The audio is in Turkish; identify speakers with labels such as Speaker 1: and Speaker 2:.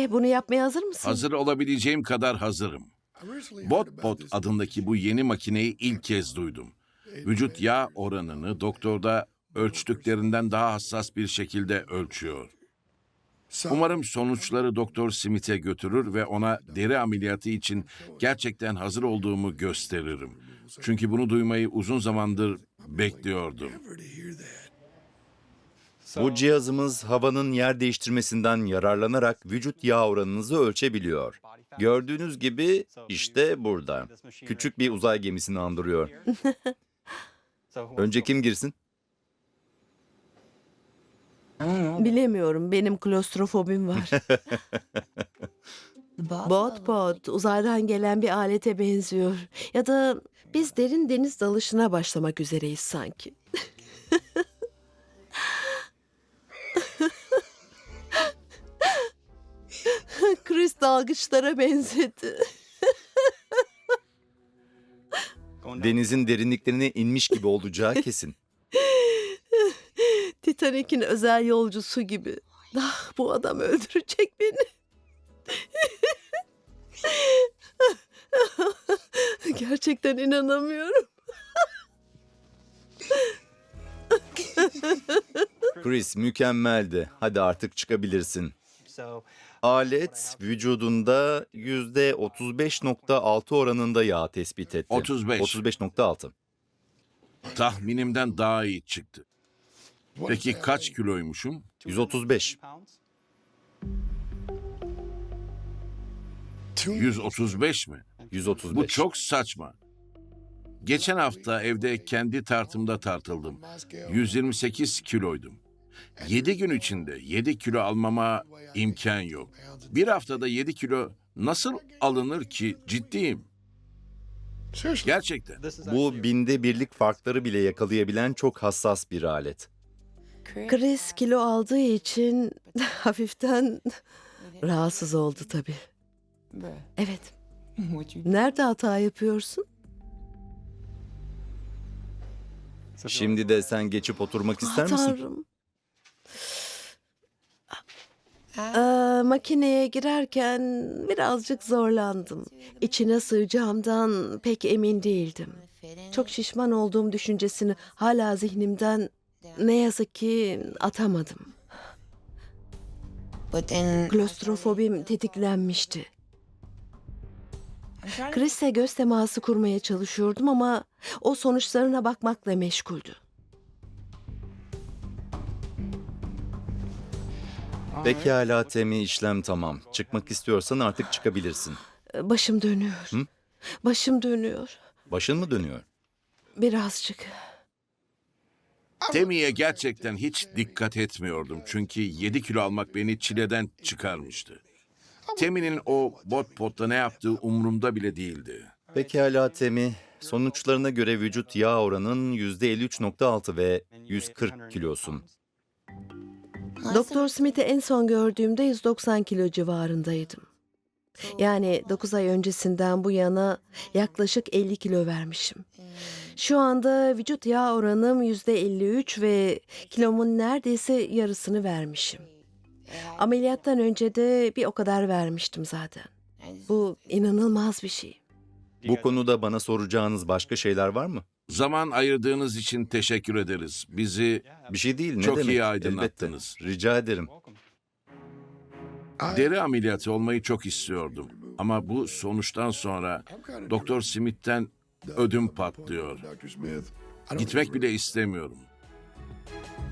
Speaker 1: Bunu yapmaya hazır mısın?
Speaker 2: Hazır olabileceğim kadar hazırım. BotPot adındaki bu yeni makineyi ilk kez duydum. Vücut yağ oranını doktorda ölçtüklerinden daha hassas bir şekilde ölçüyor. Umarım sonuçları Doktor Smith'e götürür ve ona deri ameliyatı için gerçekten hazır olduğumu gösteririm. Çünkü bunu duymayı uzun zamandır bekliyordum.
Speaker 3: Bu cihazımız havanın yer değiştirmesinden yararlanarak vücut yağ oranınızı ölçebiliyor. Gördüğünüz gibi işte burada. Küçük bir uzay gemisini andırıyor. Önce kim girsin?
Speaker 1: Bilemiyorum, benim klostrofobim var. Bot, uzaydan gelen bir alete benziyor. Ya da biz derin deniz dalışına başlamak üzereyiz sanki. Chris dalgıçlara benzedi.
Speaker 3: Denizin derinliklerine inmiş gibi olacağı kesin.
Speaker 1: Titanic'in özel yolcusu gibi. Ah, bu adam öldürecek beni. Gerçekten inanamıyorum.
Speaker 3: Chris mükemmeldi. Hadi artık çıkabilirsin. Alet vücudunda %35.6 oranında yağ tespit etti.
Speaker 2: 35.
Speaker 3: 35.6.
Speaker 2: Tahminimden daha iyi çıktı. Peki kaç kiloymuşum?
Speaker 3: 135.
Speaker 2: 135 mi?
Speaker 3: 135.
Speaker 2: Bu çok saçma. Geçen hafta evde kendi tartımda tartıldım. 128 kiloydum. 7 gün içinde 7 kilo almama imkan yok. Bir haftada 7 kilo nasıl alınır ki? Ciddiyim. Gerçekten.
Speaker 3: Bu binde birlik farkları bile yakalayabilen çok hassas bir alet.
Speaker 1: Chris kilo aldığı için hafiften rahatsız oldu tabii. Evet. Nerede hata yapıyorsun?
Speaker 3: Şimdi de sen geçip oturmak ister misin?
Speaker 1: Tanrım. Makineye girerken birazcık zorlandım. İçine sığacağımdan pek emin değildim. Çok şişman olduğum düşüncesini hala zihnimden ne yazık ki atamadım. Klostrofobim tetiklenmişti. Chris'le göz teması kurmaya çalışıyordum ama o sonuçlarına bakmakla meşguldü.
Speaker 3: Pekala Temi, işlem tamam. Çıkmak istiyorsan artık çıkabilirsin.
Speaker 1: Başım dönüyor.
Speaker 3: Hı?
Speaker 1: Başım dönüyor.
Speaker 3: Başın mı dönüyor?
Speaker 1: Birazcık.
Speaker 2: Temi'ye gerçekten hiç dikkat etmiyordum. Çünkü 7 kilo almak beni çileden çıkarmıştı. Temi'nin o bot ne yaptığı umurumda bile değildi.
Speaker 3: Pekala Temi. Sonuçlarına göre vücut yağ oranın %53.6 ve 140 kilosun.
Speaker 1: Doktor Smith'i en son gördüğümde 190 kilo civarındaydım. Yani 9 ay öncesinden bu yana yaklaşık 50 kilo vermişim. Şu anda vücut yağ oranım %53 ve kilomun neredeyse yarısını vermişim. Ameliyattan önce de bir o kadar vermiştim zaten. Bu inanılmaz bir şey.
Speaker 3: Bu konuda bana soracağınız başka şeyler var mı?
Speaker 2: Zaman ayırdığınız için teşekkür ederiz. Bizi
Speaker 3: Bir şey değil, ne
Speaker 2: Çok
Speaker 3: demek?
Speaker 2: iyi aydınlattınız.
Speaker 3: Elbette. Rica ederim.
Speaker 2: deri ameliyatı olmayı çok istiyordum. Ama bu sonuçtan sonra Doktor Smith'ten ödüm patlıyor. Gitmek bile istemiyorum.